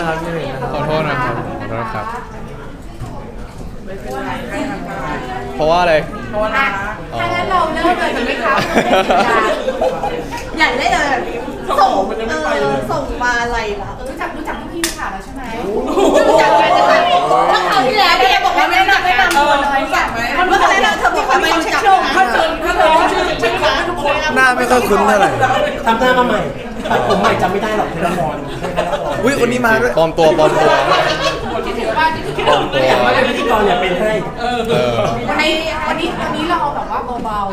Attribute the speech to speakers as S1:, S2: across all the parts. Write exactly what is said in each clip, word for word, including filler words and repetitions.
S1: นะครับพี่หนึ่งนะครับ
S2: ขอโทษนะครับขอโทษครับเพราะว่าอะไรเพราะว่า
S3: ถ้างั้นเราเริ่มเลยดีไหมคะอยากได้เลยแบบนี้ส่งเออส่งมาอะไรล่ะรู้จักรู้จักพวกพี่ค่ะแล้วใช่ไหมรู้จักกันใช่ไหมเมื่อคราวที่แล้วพี่บอกว่าไม่รู้จักไม่นำตัวเลยรู้จักไหมเมื่อคราวที่แล้วเธอบอกว่าไม่รู้จักถ้าเธอถ้าเธอชื่อชื่อร้านทุกคน
S1: หน้าไม่ค่อยคุ้นเท่าไหร่
S4: ทำหน้ามาใหม่ผมใหม่จำไม่ได้หรอกเทเลฟอน
S1: อุ้ยคนนี้มาด้วย
S2: ปลอมตัวปลอมตัวปลอมตัว
S4: แต่ว่าเป็นพิธีกรเนี่ยเป็นให้
S2: เออ
S3: วันนี้วันนี้วันนี้เราแบบว่าเบาๆ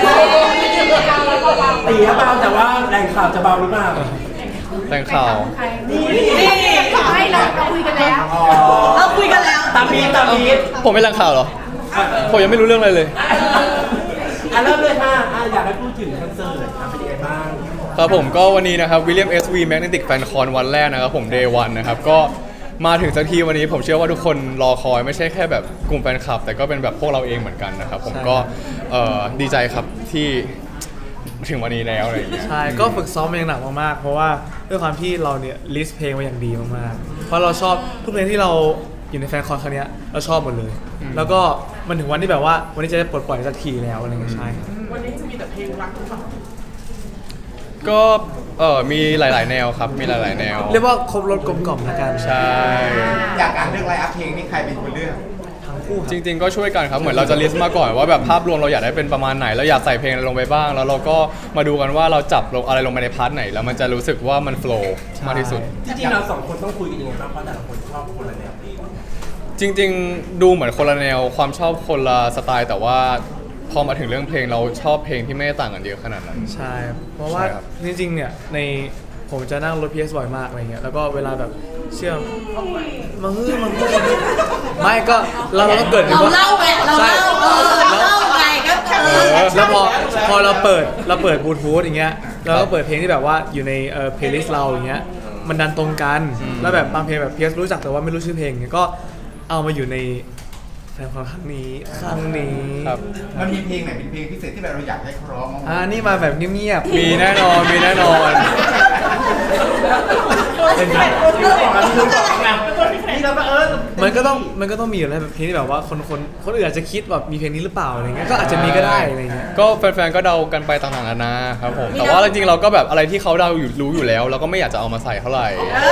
S4: ตีเบาแต่ว่าแรงข่าวจะเบาหรือเปล่า
S2: แต่งข่าว
S3: นี่ไม่เราเราคุยกันแล้วเราคุยกันแล้ว
S4: ตามมีตามมี
S2: ผมไม่แต่งข่าวเหรอผมยังไม่รู้เรื่องอะไรเลย
S4: อ่ะเริ่มเลยค่ะอ่ะอยากให้พูดถึงคอนเสิร์ตเป็นยังไงบ้าง
S2: ครับผมก็วันนี้นะครับ William เอส วี Magnetic Fan Con วันแรกนะครับผม Day วันนะครับก็มาถึงสักทีวันนี้ผมเชื่อว่าทุกคนรอคอยไม่ใช่แค่แบบกลุ่มแฟนคลับแต่ก็เป็นแบบพวกเราเองเหมือนกันนะครับผมก็เอ่อดีใจครับที่ถึงวันนี้แล้วอะไรอย่างเงี้ย
S1: ใช่ก็ฝึกซ้อมมาอย่างหนักมากๆเพราะว่าด้วยความที่เราเนี่ยลิสต์เพลงมาอย่างดีมากๆเพราะเราชอบทุกเพลงที่เราอยู่ในแฟนคอนครั้งเนี้ยเราชอบหมดเลย แล้วก็มันถึงวันที่แบบว่าวันนี้จะได้ปลดปล่อยสักทีแล้วอะไรเงี้ยใช่ครับ
S4: วันนี้จะมีแต่เพลงรักหรือเปล่า
S2: ก็เออมีหลาย ๆ แนวครับมีหลาย ๆ แนว
S1: เรียกว่าครบรถกลมกล่อมละกัน
S2: ใช่
S5: อยากการเลือกไลน์อัพเพลงนี่ใครเป็นคนเลือก
S1: ทั้งคู่ครับ
S2: จริง ๆ ก็ช่วยกันครับเหมือนเราจะลิสต์มาก่อนว่าแบบภาพรวมเราอยากได้เป็นประมาณไหนเราอยากใส่เพลงอะไรลงไปบ้าง แล้วเราก็มาดูกันว่าเราจับลงอะไรลงไปในพาร์ทไหนแล้วมันจะรู้สึกว่ามันโฟล์มากที่สุด
S4: จริงๆเราสองคนต้องคุยกันยังไงบ้างเพราะแต่ละคนชอบคนละแนวเพลง
S2: จริง ๆ ดูเหมือนคนละแนวความชอบคนละสไตล์แต่ว่าพอมาถึงเรื่องเพลงเราชอบเพลงที่ไม่ได้ต่างกันเยอะขนาดนั้น
S1: ใช่ครับเพราะว่า
S2: ใช่ครับ
S1: จริงๆเนี่ยในผมจะนั่งรถ พี เอส บ่อยมากอะไรเงี้ยแล้วก็เวลาแบบเชื่อมมาฮือมาฮือไม่ก็เราเราต้องเกิด
S3: เราเล่าไงเรา
S1: ใช่
S3: เล่าเออเราเล่าไงก็แค่
S2: เออ
S1: แล้วพอพอเราเปิดเราเปิดบลูทูธอย่างเงี้ยเราก็เปิดเพลงที่แบบว่าอยู่ในเอ่อเพลย์ลิสต์เราอย่างเงี้ยมันดันตรงกันแล้วแบบบางเพลงแบบพี เอส รู้จักแต่ว่าไม่รู้ชื่อเพลงเงี้ยก็เอามาอยู่ในแฟนคอนครั้งนี้ครั้งนี้
S2: ครับ
S5: มันมีเพลงไหนเป็นเพลงพิเศษที่เราอยากให้เขาร้องบ้างไหม
S1: อ่านี่มาแบบเงียบ
S2: มีแน่นอนมีแน่นอน
S4: เป็นไงที่เราบอกกันที่เราบอกกันนี่เราก็เออ
S1: ๆมันก็ต้องมันก็ต้องมีอยู่แล้วแบบเพลงที่แบบว่าคนคนคนอื่นอาจจะคิดแบบมีเพลงนี้หรือเปล่าอะไรเงี้ยก็อาจจะมีก็ได้อะไรเงี้ย
S2: ก็แฟนๆก็เดากันไปต่างๆนานาครับผมแต่ว่าจริงๆเราก็แบบอะไรที่เขาเดาอยู่รู้อยู่แล้วเราก็ไม่อยากจะเอามาใส่เท่าไหร่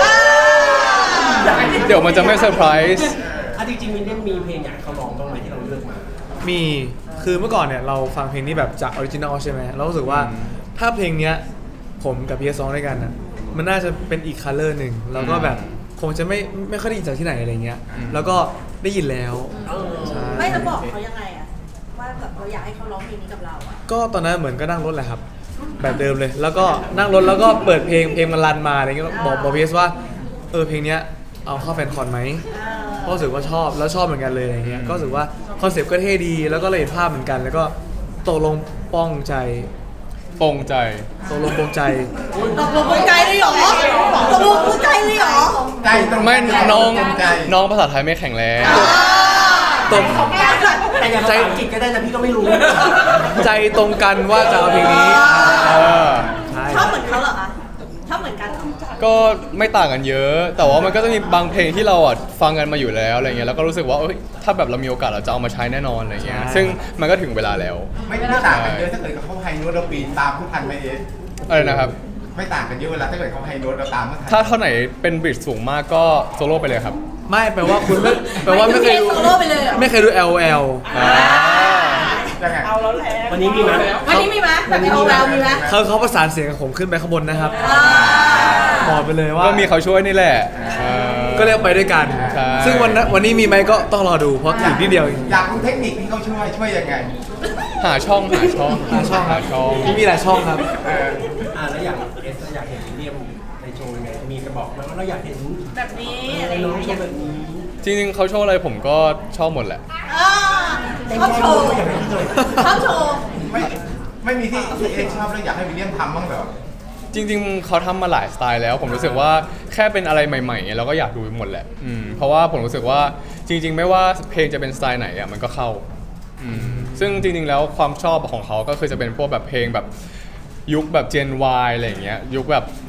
S2: เดี๋ยวมันจะไม่เซอร์ไพรส์
S4: อ่ะจริงๆมินได้มีเพลงอยากให้เขาร้องบ้างไหมที่เราเลือกมา
S1: มีคือเมื่อก่อนเนี่ยเราฟังเพลงนี้แบบจากออริจินอลใช่ไหมเรารู้สึกว่าถ้าเพลงเนี้ยผมกับพีเอสร้องด้วยกันอ่ะมันน่าจะเป็นอีกคัลเลอร์หนึ่งแล้วก็แบบคงจะไม่ไม่ค่อยได้ยินจากที่ไหนอะไรเงี้ยแล้วก็ได้ยินแล้วใช่
S3: ไม่จะบอกเขายังไงอะว่าแบบเราอยากให้เขาร้องเพลงนี้กับเราอะ
S1: ก็ตอนนั้นเหมือนก็นั่งรถแหละครับ แบบเดิมเลย แล้วก็นั่งรถแล้วก็เปิดเพลงเพลงมันรันมาอะไรเงี้ยบอกบอกพีเอสว่าเออเพลงเนี้ยเอาเข้าแฟนคอนไหมก็รู้สึกว่าชอบแล้วชอบเหมือนกันเลยอะไรเงี้ยก็รู้สึกว่าคอนเซปต์ก็เท่ดีแล้วก็เลยเห็นภาพเหมือนกัน แล้วก็ตกลงป้องใจ
S2: ปรงใจ
S1: ตกลงปรงใจ
S3: ตกลงปลงใจเลยเหรอตกลงปลงใจเลยเหรอ
S5: ใจตรง
S2: ไม่
S5: ใจ
S2: น้อง
S5: ตรงใจ
S2: น้องภาษาไทยไม่แข็งแรง
S1: ตรง
S4: แต่อย่างภาษาอังกฤษก็ได้นะพี่ก็ไม่รู้
S1: ใจตรงกันว่าจะเอาเพลงนี้
S2: เออ
S1: ใช่
S3: ชอบเหมือนเขาเหรอคะชอบเหมือนกันเหรอ
S2: ก็ไม่ต่างกันเยอะ แต่ว่ามันก็จะมีบางเพลงที่เราอ่ะฟังกันมาอยู่แล้วอะไรเงี้ยแล้วก็รู้สึกว่าเอ้ยถ้าแบบเรามีโอกาสเราจะเอามาใช้แน่นอนอะไรเงี้ยซึ่งมันก็ถึงเวลาแล้ว
S5: ไม่ไม่ต่างกันเยอะถ้าเกิดเขาไฮโน้ตเราปีนตามผู้ทันไหมเอ๊ะ
S2: อะไรนะครับ
S5: ไม่ต่างกันเยอะเวลาถ้าเกิดเขาไฮโน้ตเราตามผู้ทัน
S2: ถ้าเท่าไหนเป็นบริดจ์สูงมากก็โซโล่ไปเลยครับ
S1: ไม่แปลว่าคุณไม่แปลว่าไม่เคยดู
S3: โซโล่ไปเลยเหรอ
S1: ไม่เคยดู แอล แอล
S5: ยังไง
S4: วันนี้มีไหม
S3: วันนี้มีไหมแบบมีโอแววมีไหม
S1: เขาเขาประสานเสียงกับผมขึ้นไปข้างบนนะครับบอกไปเลยว่า
S2: ก็มีเขาช่วยนี่แหละเออ
S1: ก็เรียกไปด้วยกัน
S2: ใช่
S1: ซึ่งวันนั้นวันนี้มีไหมก็ต้องรอดูเพราะอีกนิดเดียวเอง
S5: อยากรู้เทคนิคที่เขาช่วยช่วยยังไง
S2: หาช่องหาช่อง
S1: หาช่อง
S2: หาช่อง
S1: นี่มีหลายช่องครับ
S5: เออ
S4: อ่าแล้วอยากเอสอยากเห็นวิลเลียมในโชว์ยังไงมีจะบอกไหมว่าเราอยากเห็น
S3: แบบนี้
S4: อะ
S3: อะไร ไรอ
S4: น้อย่าง งโช
S3: เงี้ย
S4: ว์แบบนี้
S2: จริงๆเขาโชว์อะไรผมก็ชอบหมดแหละ
S3: อ่าชอบโชว์
S4: อยากให้พี่เลย
S3: ชอบโชว์
S5: ไม่ไม่มีที่ที่เอ๊ะชอบแล้วอยากให้วิลเลียมทำบ้างเหรอ
S2: จริงๆเขาทำมาหลายสไตล์แล้ว ผมรู้สึกว่าแค่เป็นอะไรใหม่ๆเราก็อยากดูหมดแหละอืมเพราะว่าผมรู้สึกว่าจริง ๆ ไม่ว่าเพลงจะเป็นสไตล์ไหนอ่ะมันก็เข้าอืมซึ่งจริงๆแล้วความชอบของเขาก็คือจะเป็นพวกแบบเพลงแบบยุคแบบ Gen Y อะไรอย่างเงี้ยยุคแบบ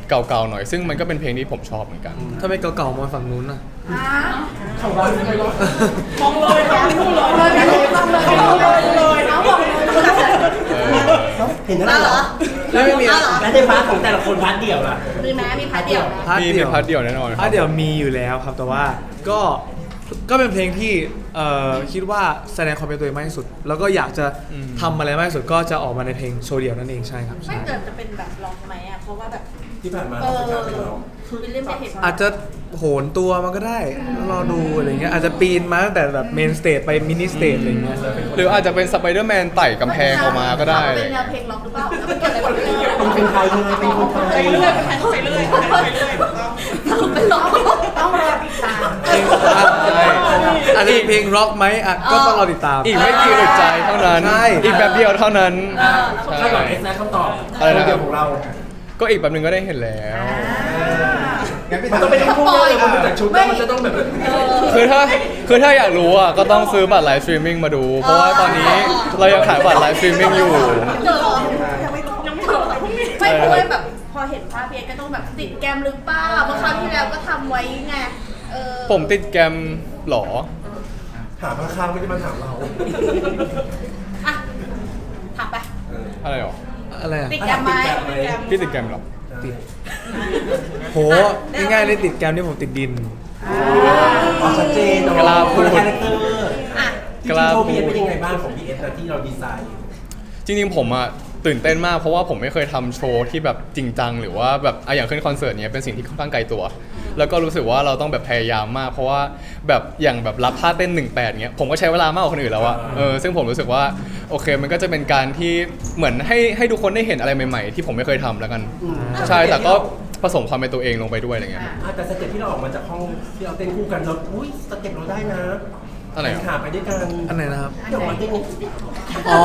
S2: เก่าๆหน่อยซึ่งมันก็เป็นเพลงที่ผมชอบเหมือนกัน
S1: ถ้าไม่เก่าๆมาฝั่งนู้นน่ะ
S4: ของเราไม่ได้ร้อง
S3: มองเลยมองเลยมองเลยมองเลยมองเลยน้องบอกเลย
S2: เออ
S4: เห็นแล้วเหรอ
S1: แล้วไม่มี
S3: เหรอ
S4: แล้วในพาร์ทของแต่ละคนพาร์ทเดี่ยวล่ะ
S3: มีไหมมีพาร์ทเดียว
S1: พาร์ท
S2: มี
S1: เดี
S2: มี
S1: ยว
S2: พาร์ทเดียวแน่นอนค
S1: พา
S2: รั
S1: ร์
S2: บ
S1: ทเดียวมีอยู่แล้วครับแต่ว่าก็ก็เป็นเพลงที่เอ่อคิดว่าแสดงความเป็นตัวเองมากที่สุด แล้วก็อยากจะ
S2: อืม
S1: ทำอะไรมากที่สุดก็จะออกมาในเพลงโชว์เดียวนั่นเองใช่ครับ
S3: ไม่
S1: ใช่
S3: เกิดจะเป็นแบบล็อกไหมอ่ะเพราะว่าแบบ
S4: ที่ผ่านมา
S3: เอ
S4: เรา
S3: อ
S4: เป็นการเป็นร้อง
S3: คือวิลเลียมจะเห็น
S1: อาจจะโหนตัวมันก็ได้รอดูอะไรเงี้ยอาจจะปีนมาตั้งแต่แบบเมนสเตจไปมินิสเตจอะไรเงี้ย
S2: หรืออาจจะเป็นสไปเดอร์แมนไต่กำแพงออกมาก็ได้
S3: เป็นแนวเพลงล็อกหรือเปล่าแล้วมันเกิดอะไรขึ้น
S4: เป็นคนไทยเลยเป็นคนไทย
S3: ไปเรื่อยไปเรื่อยไปเรื่อยเป็นล็อกต้องรอติดตาม
S1: เพลงใช่อาจจะเป็นเพลงร็อกไหมอ่ะก็ต้องรอติดตาม
S2: อีกไม่กี่อึดใจเท่านั้น
S1: ใช่
S2: อีกแบบเดียวเท่านั้น
S4: คาดหวังเอสนะคำตอบ
S2: อะไรนะ
S4: เดียวของเรา
S2: ก็อีกแบบหนึงก็ได้เห็นแล้ว
S5: งั้นพี่
S4: มัน
S5: ถาม
S4: ต้องเป็นคู่เลยมันดูจากชุดแล้วมันจะต้องแบบ
S2: คือถ้าคือถ้าอยากรู้อ่ะก็ต้องซื้อบัตรไลฟ์สตรีมมิ่งมาดู เพราะว่าตอนนี้เรายังขายบัตรไลฟ์สตรีมมิ่งอยู่
S3: เจอยังไม่ต้องยังไม่ต้องไม่เพราะว่าแบบพอเห็นภาพเพียก็ต้องแบบติดแกมหรือเปล่าเมื่อคราวที่แล้วก็ทำไว้ไงเออ
S2: ผมติดแกรมหรอ
S4: ถามข้างๆไม่ได้มาถามเรา
S3: อ่ะถามไป
S2: อะไรหรอ
S1: อะไรอ่ะ
S3: ติดแกมไหม
S2: พี่ติดแกรมหรอ
S1: ติดโหง่ายๆเลยติดแกรมนี่ผมติดดิน
S4: อ๋อชัดเจน
S2: กล้าพูด
S4: คาแรคเตอร์
S3: อ่ะ
S4: จริงๆโชว์พีเอสเป็นยังไงบ้างของพีเอสนะที่เราดีไซน์
S2: จริงๆผมอะตื่นเต้นมากเพราะว่าผมไม่เคยทำโชว์ที่แบบจริงจังหรือว่าแบบอะอย่างขึ้นคอนเสิร์ตเนี้ยเป็นสิ่งที่ค่อนข้างไกลตัว แล้วก็รู้สึกว่าเราต้องแบบพยายามมาก เพราะว่าแบบอย่างแบบรับท่าเต้นหนึ่งแปดเนี้ยผมก็ใช้เวลามากกว่าคนอื่นแล้วอะเออซึ่งผมรู้สึกว่าโอเคมันก็จะเป็นการที่เหมือนให้ให้ทุกคนได้เห็นอะไรใหม่ๆ ที่ผมไม่เคยทำแล้วกัน ใช่แต่ก็ผสมความเป็นตัวเองลงไปด้วยอะไรเงี้ย
S4: อ่ะแต่สเต็ปที่เราออกมาจากห้องที่เราเต้นคู่กันเราอุ้ยสเต็ปเราได้นะ
S2: อะไรเหรอ
S4: ขาไปด้วยกัน
S1: อันไหนนะครับ
S4: ที่ออกมาเต้น
S1: อ๋อ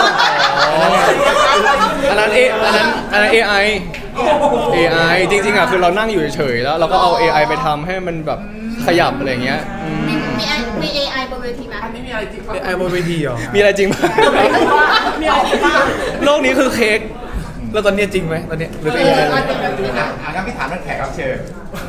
S2: อันนั้นเออันนั้นอันนั้น เอ ไอ เอ ไอ จริงๆอ่ะคือเรานั่งอยู่เฉยๆแล้วเราก็เอา เอ ไอ ไปทำให้มันแบบขยับอะไรเงี้ยอืม
S3: มีมีมี เอ ไอ บนเวทีไหม
S1: ไอ้บนเวทีเหรอ
S2: มีอะไรจริงไหม
S3: มีอะไรบ้าง
S2: โลกนี้คือเค้ก
S1: แล้วตอนเนี้ยจริงไหมตอนเนี้ยหรือ
S3: เอ
S1: เป็นยังไง
S3: อจริงจริง
S5: อ่ะอ่ะงั้นพี่ถามเรื่องแขกรับเชิญ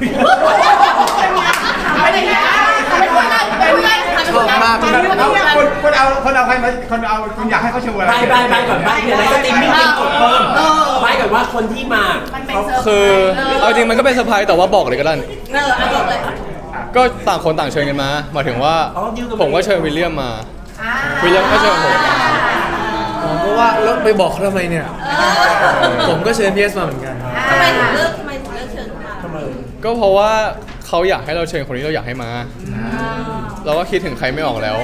S3: ไม่ได้นะไม่ได้ไม่ได้
S1: ชอบมาก
S5: เอาคนคนเอาคนเอาใครมาคนเอาคุณอยากให้เขาโชว์อะไร
S4: บายบายบายก่อนบายเนี่ยแล้วก็ตีมิ่งเต็มกดเพิ่มบายก่อนว่าคนที่มา
S3: มันเป็นเซอร์ไพรส์
S2: คือเอาจริงมันก็เป็นเซอร์ไพรส์แต่ว่าบอกเลยก็ได้
S3: เออเอาบอกเลย
S2: ก็ต่างคนต่างเชิญกันมาหมายถึงว่า
S4: อ๋อดิวกับ
S2: ผมก็เชิญวิลเลียมมา
S3: อ่า
S2: วิลเลียมก็เชิญผม
S1: อ๋อเพราะว่าแล้วไปบอกเขาทำไมเนี่ย ผมก็เชิญพีเอสมาเหมือนกัน
S3: ทำไมถึงเลือกทำไมถึงเลือกเชิญเขามา
S4: ทำไม
S2: ก็เพราะว่าเขาอยากให้เราเชิญคนที่เราอยากให้มา เราก็คิดถึงใครไม่ออกแล้ว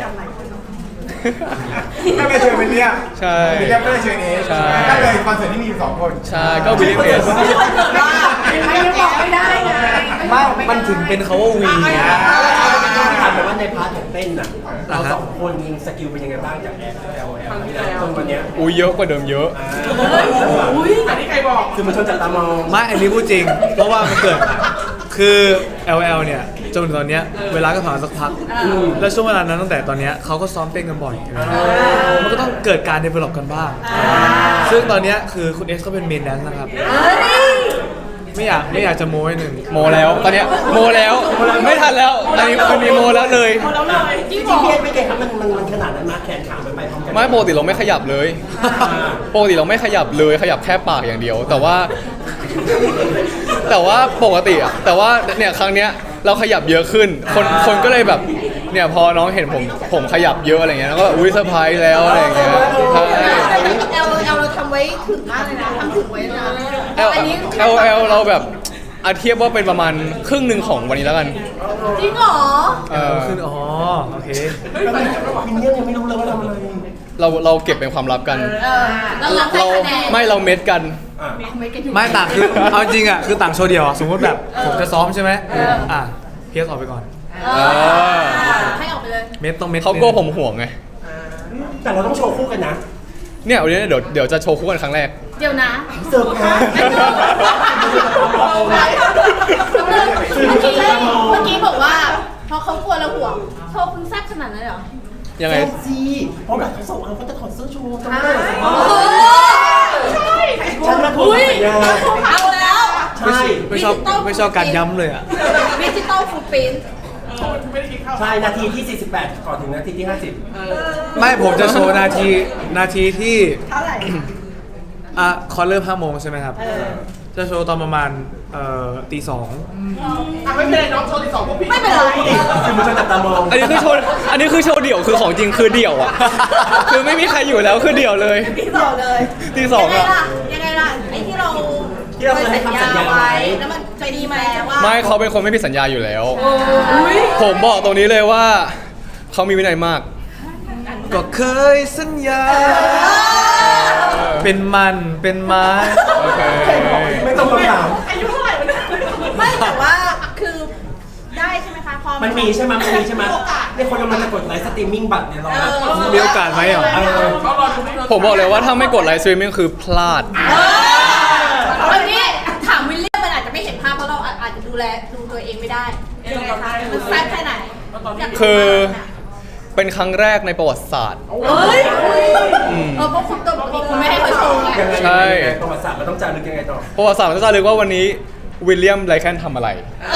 S5: ก็ไปเชิญวิลเลียม
S2: ใช่
S5: วิลเลียมก็เลยเชิญเอส
S2: ใช่
S5: ก็เลยคอนเสิร์ตที่มีอยู่สองคน
S2: ใช่ก็วิลเลียมเอส
S3: ไม่บอกไม่ได้ไง
S1: ไม่มันถึงเป็นเขาว่าวีไง
S4: ถามแบบว่าในพาร์ทของเต้นน่ะเราสองคนยิงสกิลเป็นยังไงบ้างจากแอลแอลแอลที่เราจนวันเนี้ย
S2: อุ้ยเยอะกว่าเดิมเยอะ
S4: อุ้ยอันนี้ใครบอกคือมันชนจับตามอง
S1: ไม่อันนี้พูดจริง เพราะว่ามันเกิดคือ แอล แอล เนี่ยจนถึงตอนเนี้ยเวลาก็ผ่านมาสักพัก แล้วช่วงเวลานั้นตั้งแต่ตอนเนี้ยเขาก็ซ้อมเต้นกันบ่อย มันก็ต้องเกิดการ develop กันบ้าง ซึ่งตอนเนี้ยคือคุณเอสก็เป็นเมนแดนซ์นะครับ ไม่อยากไม่อยากจะโม้ให้หนึ่ง
S2: โมแล้วตอนเนี้ยโมแล้วไม่ทันแล้วตอนนี้มันมีโมแล้วเลย
S4: จริงๆพี่เอ็นไม่เก่งครับมันมันมันขนาดนั้นมาแขนขามันไปพร้อมกัน
S2: ไม่ปกติเราไม่ขยับเลยปกติเราไม่ขยับเลยขยับแค่ปากอย่างเดียว แต่ว่า แต่ว่าปกติอะแต่ว่าเนี่ยครั้งเนี้ยเราขยับเยอะขึ้น คนคนก็เลยแบบเนี่ยพอน้องเห็นผมผมขยับเยอะอะไรเงี้ยแล้วก็อุ้ยเซอร์ไพรส์แล้วอะไรเงี้ยใช่
S3: เอลเอลเราทำไว้ถึงมากเลยนะทำถึงไว้นะ
S2: เอล
S3: อันนี้
S2: เอลเอลเราแบบอาเทียบว่าเป็นประมาณครึ่งหนึ่งของวันนี้แล้วกัน
S3: จริงเหรอ
S2: เออ
S1: ขึ้นอ๋อโอเค
S4: มินเนี่ยนยังไม่รู้เลยว่าทำอะไร
S2: เราเราเก็บเป็นความลับกัน
S3: เออเรารับได้
S2: เรา
S3: คะแนน
S2: ไม่เราเม็ดกัน
S3: ไม่กันอยู่
S1: ไม่ต่างคือเอาจริงอ่ะคือต่างโชว์เดียวอะสมมติแบบผมจะซ้อมใช่ไหมอ่ะพีเอสออกไปก่อน
S3: เออให้ออกไปเลย
S1: เม็ดต้องเม็ด
S2: เขากลัวผมห่วงไง
S4: แต่เราต้องโชว์คู่กันนะ
S2: เนี่ยวันนี้เดี๋ยวเดี๋ยวจะโชว์คู่กันครั้งแรก
S3: เดี๋ยวนะ
S4: เสิร์ฟแพ้
S3: เมื่อกี้เมื่อกี้บอกว่าเพราะเขากลัวเราห่วงโชว์คุณแซ่บขนาดนั้นเหรอ
S2: ยังไง
S4: เซลซีเพราะแบบเขาส่งเอาเขาจะถอดเสื้อโชว์จำไม่ได้เหรอ
S3: โอ้ใช่
S4: ฉันมาทวงสัญญา
S3: เอาแล้ว
S4: ใช่
S1: ไม่ชอบไม่ชอบ
S3: Digital
S1: ไม่ชอบการย้ำเลยอ่ะ
S3: ดิจิตอลฟูดปิ้น
S4: ใช่นาทีที่สี่สิบแปดก่อนถึงนาทีที่ห้าสิบ
S1: ไม่ผมจะโชว์นาทีนาทีที่
S3: เท่าไหร่
S1: อ่ะคอนเริ่มห้าโมงใช่ไหมครับ จะโชว์ตอนประมาณเอ่อตีสอง
S3: ไม่เป็นไร
S4: คือมันจะจับตามอง
S2: อันนี้คือโชว์อันนี้คือโชว์เดี่ยวคือของจริงคือเดี่ยวอ่ะ คือไม่มีใครอยู่แล้วคือเดี่ยวเลย
S3: ตีสองเลย
S2: ตีสอง
S3: ยังไง
S2: อ่ะ
S3: ล่ะยังไงล่ะไอ้ที่เรา
S4: ที่เราเคยให้คำสัญญาไว้
S3: แล้วมันไปดีไหมว่า
S2: ไม่เขาเป็นคนไม่มีสัญญาอยู่แล้ว
S3: อุ๊ย
S2: ผมบอกตรงนี้เลยว่าเขามีวินัยมาก
S1: ก็เคยสัญญา เป็นมันเป็นไม้
S2: โอเค
S4: ไม่ต้องคำถาม
S3: ไม่แต่ว่าคือได้ใช่ไหมคะพอ
S4: มันมีใช่ไหมมันมีใช่ไหมเนี่ยคนกำลังจะกดไลฟ์สตรีมมิ่งบัตรเนี่ยเราแบบ
S1: มีโอกาสไหมอ่ะ
S4: เออ
S2: ผมบอกเลยว่าถ้าไม่กดไลฟ์สตรีมมิ่งคือพลาด
S3: วันนี้ถามวิลเลียมมันอาจจะไม่เห็นภาพเพราะเราอาจจะดูแลดูตัวเองไม่ได้ยังไงคะมันแซ่บแค่ไหนยากรู้
S2: คือ
S3: มาก
S2: เป็นครั้งแรกในประวัติศาสตร์
S3: เฮ้ยเออเพราะคุณตัวบอกคุณไม่ให้เขาโชว์ไง
S4: ยังไง
S2: ใช่
S4: ยังไงประวัติศาสตร์มันต้องจารึกยังไงต่อ
S2: ประวัติศาสตร์มันจะจารึกว่าวันนี้วิลเลียมไรแคนทำอะไร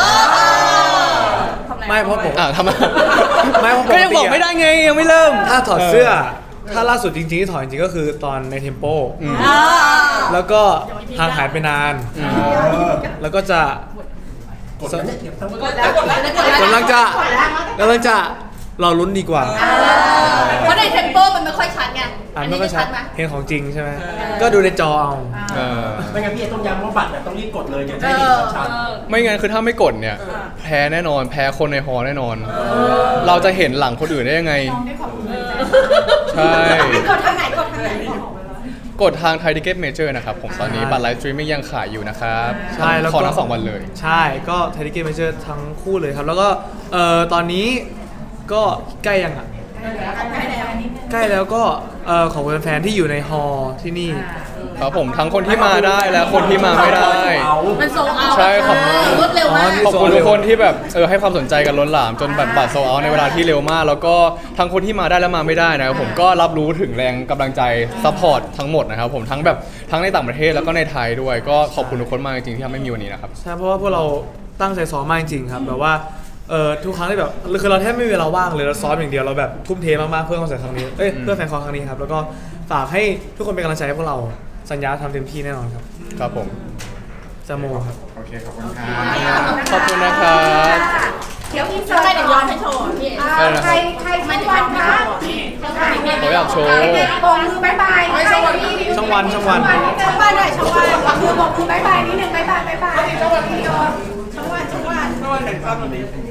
S3: ทำอะไร
S1: ไม่เพราะผม
S2: อ่ะทำไม
S1: ไม่เพราะปกติอะ
S2: ก็ยังบอกไม่ได้ไงยังไม่เริ่ม
S1: ถ้าถอดเสื้อ ถ้าล่าสุดจริงๆที่ถอดจริงๆก็คือตอนในเทมโป
S2: อืม
S3: อ่า
S1: แล้วก็ห่างหายไปนาน แล้วก็จะ
S4: กดแล้วเนี่ยเดี๋ยวต้อง
S3: กดแล้วกดแล้วกดแล้ว
S1: กำลังจะกำลังจะรอลุ้นดีกว่า
S3: เพราะในเทมโปมันไม่ค่อยชัดไง
S1: อ่านไม่ค่อยชัด
S3: ไหม
S1: เห็นของจริงใช่ไหม ก็ดูในจอเอา
S2: เออ
S4: ไม่งั้นพี่เอต้องย้ำว่าบัตรเนี่ยต้องรีบกดเลยจะ
S3: เอ
S4: ได้เห็น
S3: อ
S4: ชัด
S3: เออ
S2: ไม่งั้นคือถ้าไม่กดเนี่ย แพ้แน่นอน แพ้คนในฮอแน่นอน เราจะเห็นหลังคนอื่นได้ยังไง ใช่
S3: กดทางไหนกดทางไหน
S2: กดทางไทยทิเก็ตเมเจอร์นะครับ ผมตอนนี้บัตรไลฟ์สตรีมมิ่งยังขายอยู่นะครับ
S1: ใช่แล้ว
S2: ขอ
S1: ก็
S2: ทั้งสองวันเลย
S1: ใช่ก็ไทยดิเกมเมเจอร์ทั้งคู่เลยครับ แล้วก็เอ่อตอนนี้ก็ใกล้ยังอ่ะ ใกล้แล้วก็เอ่อของแฟนๆที่อยู่ในฮอลล์ที่นี่
S2: ครับผมทั้งคนที่มาได้และคนที่มาไม่ได้
S3: มันโซเอา
S2: ใช่ขอบ
S3: รวดเร็วมาก
S1: อ๋อ
S2: ขอบคุณทุกคนที่แบบเออให้ความสนใจกันล้นหลามจนบัตรบัตรโซเอาในเวลาที่เร็วมาก แล้วก็ทั้งคนที่มาได้และมาไม่ได้นะครับผมก็รับรู้ถึงแรงกำลังใจซัพพอร์ตทั้งหมดนะครับผมทั้งแบบทั้งในต่างประเทศแล้วก็ในไทยด้วย ก็ขอบคุณทุกคนมากจริงๆที่ทำให้มีวันนี้นะครับ
S1: ใช่เพราะว่าพวกเราตั้งใจซ้อมมากจริงๆครับแบบว่าเอ่อทุกครั้งที่แบบคือเราแทบไม่มีเวลาว่างเลยเราซ้อมอย่างเดียวเราแบบทุ่มเทมากๆเพื่อคอนเสิร์ตครั้งนี้เอ้ยเพื่อแฟนคอนครั้งนี้ครับแล้วก็ฝากให้ทุกคนเป็นกำลังใจให้พวกเราสัญญาทำเต็มที่แน่นอนครับ
S2: ครับผม
S1: จะโมครับ
S5: โอเค ขอบคุณครับ
S2: ขอบคุณนะครับ
S3: เดี๋ยวพี่เจอใครเดี๋ยวย้อนให้โชว์พี่เอ๋
S2: ได้นะครับ
S3: ใครใครไม่ถึงวันนะ
S2: ผมอยากโชว์
S3: บอกมือบายบายช่องวัน
S1: ช่องวันช่องวัน
S3: ช่องวันหน่อยช่องวันมือบอกมือบายบายนิดนึงบายบายบายบายช่องวันช่องวันช่องวัน